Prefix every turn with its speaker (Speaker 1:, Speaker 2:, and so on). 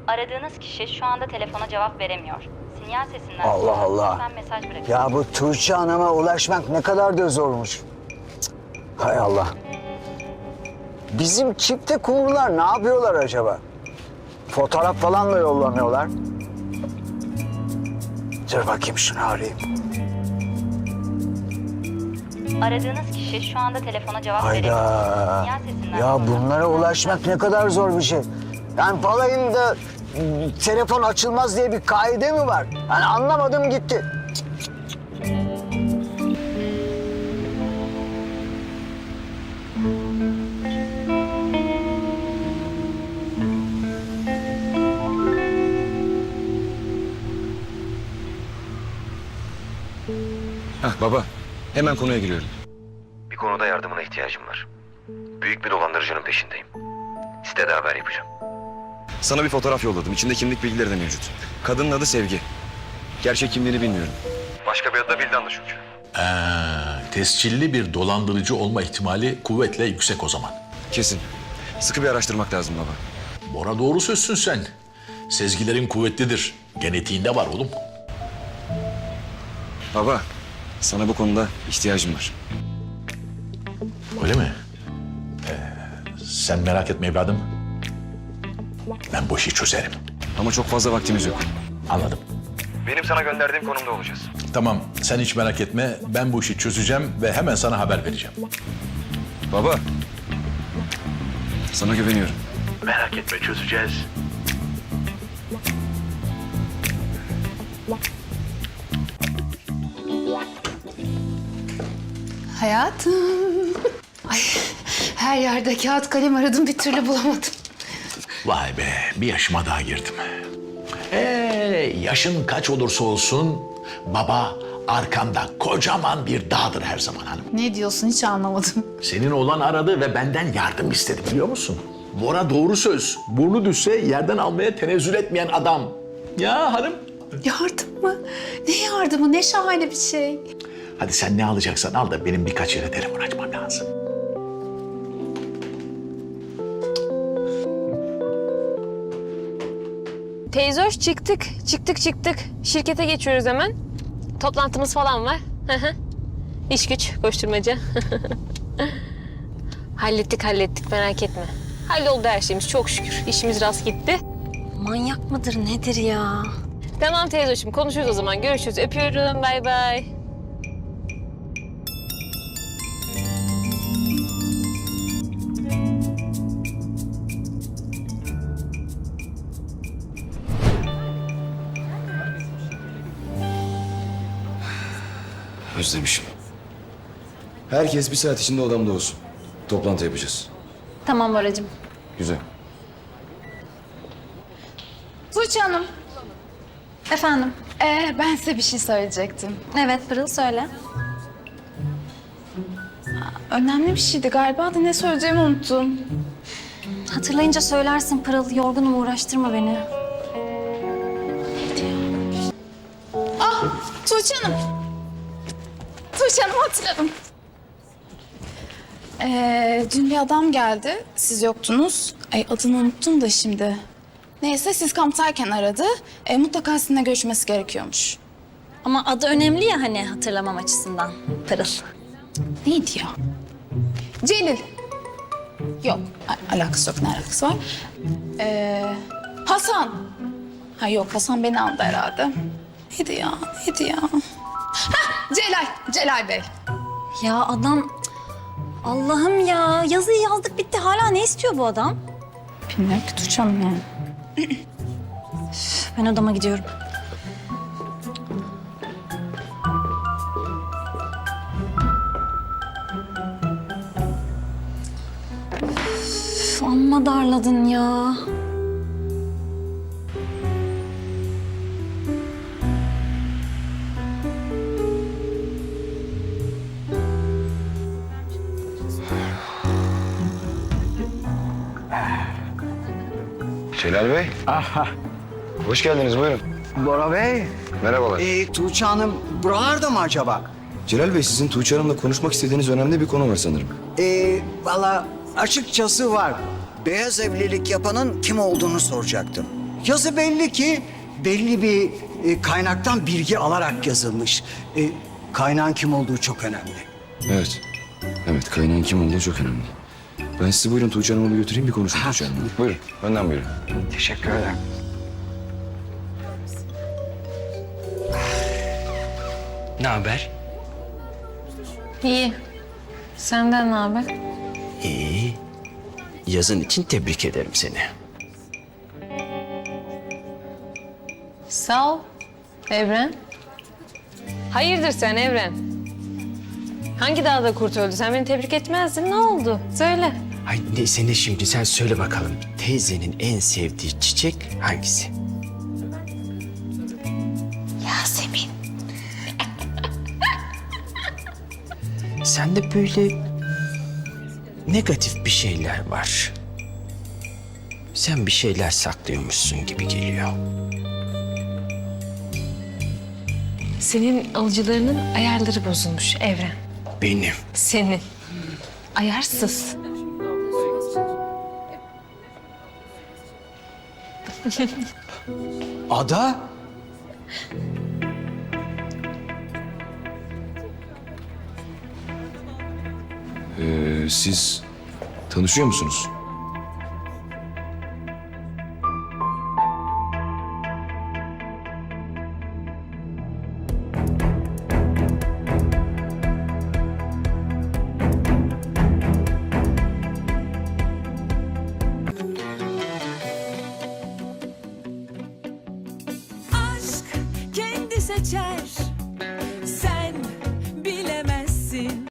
Speaker 1: Aradığınız kişi şu anda telefona cevap veremiyor. Sinyal sesinden
Speaker 2: Allah
Speaker 1: sonra
Speaker 2: Allah.
Speaker 1: lütfen mesaj bırakın.
Speaker 2: Ya bu Tuğçe Hanım'a ulaşmak ne kadar da zormuş. Cık. Hay Allah. Bizim çifte kumrular ne yapıyorlar acaba? Fotoğraf falan da yollamıyorlar. Dur bakayım şunu arayayım.
Speaker 1: Aradığınız kişi şu anda telefona cevap veremiyor.
Speaker 2: Hayda.
Speaker 1: Sinyal sesinden
Speaker 2: Ya
Speaker 1: sonra
Speaker 2: bunlara
Speaker 1: lütfen
Speaker 2: ulaşmak ne kadar zor bir şey. Yani balayında telefon açılmaz diye bir kaide mi var? Yani anlamadım gitti.
Speaker 3: Hah baba, hemen konuya giriyorum.
Speaker 4: Bir konuda yardımına ihtiyacım var. Büyük bir dolandırıcının peşindeyim. Sitede haber yapacağım.
Speaker 3: Sana bir fotoğraf yolladım. İçinde kimlik bilgileri de mevcut. Kadının adı Sevgi. Gerçek kimliğini bilmiyorum.
Speaker 4: Başka bir adı da Vildan'dı çünkü.
Speaker 5: Tescilli bir dolandırıcı olma ihtimali kuvvetle yüksek o zaman.
Speaker 3: Kesin. Sıkı bir araştırmak lazım baba.
Speaker 5: Bora doğru sözsün sen. Sezgilerin kuvvetlidir. Genetiğinde var oğlum.
Speaker 3: Baba, sana bu konuda ihtiyacım var.
Speaker 5: Öyle mi? Sen merak etme evladım. Ben bu işi çözerim.
Speaker 3: Ama çok fazla vaktimiz yok.
Speaker 5: Anladım.
Speaker 4: Benim sana gönderdiğim konumda olacağız.
Speaker 5: Tamam, sen hiç merak etme. Ben bu işi çözeceğim ve hemen sana haber vereceğim.
Speaker 3: Baba, sana güveniyorum.
Speaker 5: Merak etme, çözeceğiz.
Speaker 6: Hayatım. Ay, her yerde kağıt kalem aradım, bir türlü bulamadım.
Speaker 5: Vay be, bir yaşıma daha girdim. Yaşın kaç olursa olsun baba arkanda kocaman bir dağdır her zaman hanım.
Speaker 6: Ne diyorsun, hiç anlamadım.
Speaker 5: Senin oğlan aradı ve benden yardım istedi biliyor musun? Bora doğru söz. Burnu düşse yerden almaya tenezzül etmeyen adam. Ya hanım.
Speaker 6: Yardım mı? Ne yardımı? Ne şahane bir şey.
Speaker 5: Hadi sen ne alacaksan al da benim birkaç yere telefon açmam lazım.
Speaker 7: Teyze hoş çıktık. Şirkete geçiyoruz hemen. Toplantımız falan var. İş güç, koşturmaca. hallettik merak etme. Halloldu her şeyimiz çok şükür. İşimiz rast gitti.
Speaker 8: Manyak mıdır nedir ya?
Speaker 7: Tamam teyze hoşum konuşuruz o zaman. Görüşürüz. Öpüyorum. Bay bay.
Speaker 3: Özlemişim. Herkes bir saat içinde odamda olsun. Toplantı yapacağız.
Speaker 8: Tamam Boracığım.
Speaker 3: Güzel.
Speaker 6: Tuğçe Hanım,
Speaker 8: Efendim?
Speaker 6: ben size bir şey söyleyecektim.
Speaker 8: Evet Pırıl söyle.
Speaker 6: Önemli bir şeydi galiba da ne söyleyeceğimi unuttum.
Speaker 8: Hatırlayınca söylersin Pırıl. Yorgunum, uğraştırma beni.
Speaker 6: Tuğçe Hanım. Tuğçe Hanım, hatırladım. Dün bir adam geldi, siz yoktunuz. Ay, adını unuttum da şimdi. Neyse, siz kamptayken aradı. Mutlaka sizinle görüşmesi gerekiyormuş.
Speaker 8: Ama adı önemli ya hani hatırlamam açısından. Pırıl.
Speaker 6: Neydi ya? Celil. Yok, alakası yok. Ne alakası var? Hasan. Ha yok, Hasan beni aldı herhalde. Neydi ya? Hah, Celal Bey.
Speaker 8: Ya adam... Allah'ım ya. Yazıyı yazdık bitti. Hala ne istiyor bu adam?
Speaker 6: Bilmiyorum ki Tuğçe Hanım yani.
Speaker 8: Ben odama gidiyorum. Üf, amma darladın ya.
Speaker 4: Celal Bey. Hoş geldiniz buyurun.
Speaker 2: Bora Bey,
Speaker 4: Merhabalar.
Speaker 2: Tuğçe Hanım buralarda mı acaba?
Speaker 4: Celal Bey sizin Tuğçe Hanım'la konuşmak istediğiniz önemli bir konu var sanırım.
Speaker 2: Valla açıkçası var. Beyaz evlilik yapanın kim olduğunu soracaktım.
Speaker 9: Yazı belli ki belli bir kaynaktan bilgi alarak yazılmış. Kaynağın kim olduğu çok önemli.
Speaker 3: Evet. Evet, kaynağın kim olduğu çok önemli. Ben sizi buyurun Tuğçe Hanım'a bir götüreyim, bir konuşun Tuğçe Hanım'la. Buyurun, benden buyurun.
Speaker 9: Teşekkür ederim.
Speaker 10: Ne haber?
Speaker 7: İyi. Senden ne haber?
Speaker 10: İyi. Yazın için tebrik ederim seni.
Speaker 7: Sağ ol. Evren. Hayırdır sen Evren? Hangi dağda kurt öldü? Sen beni tebrik etmezdin. Ne oldu? Söyle.
Speaker 10: Ay neyse ne şimdi sen söyle bakalım. Teyzenin en sevdiği çiçek hangisi?
Speaker 8: Yasemin.
Speaker 10: Sende böyle negatif bir şeyler var. Sen bir şeyler saklıyormuşsun gibi geliyor.
Speaker 7: Senin alıcılarının ayarları bozulmuş Evren.
Speaker 10: Benim.
Speaker 7: Senin. Ayarsız.
Speaker 9: Ada?
Speaker 3: Siz tanışıyor musunuz?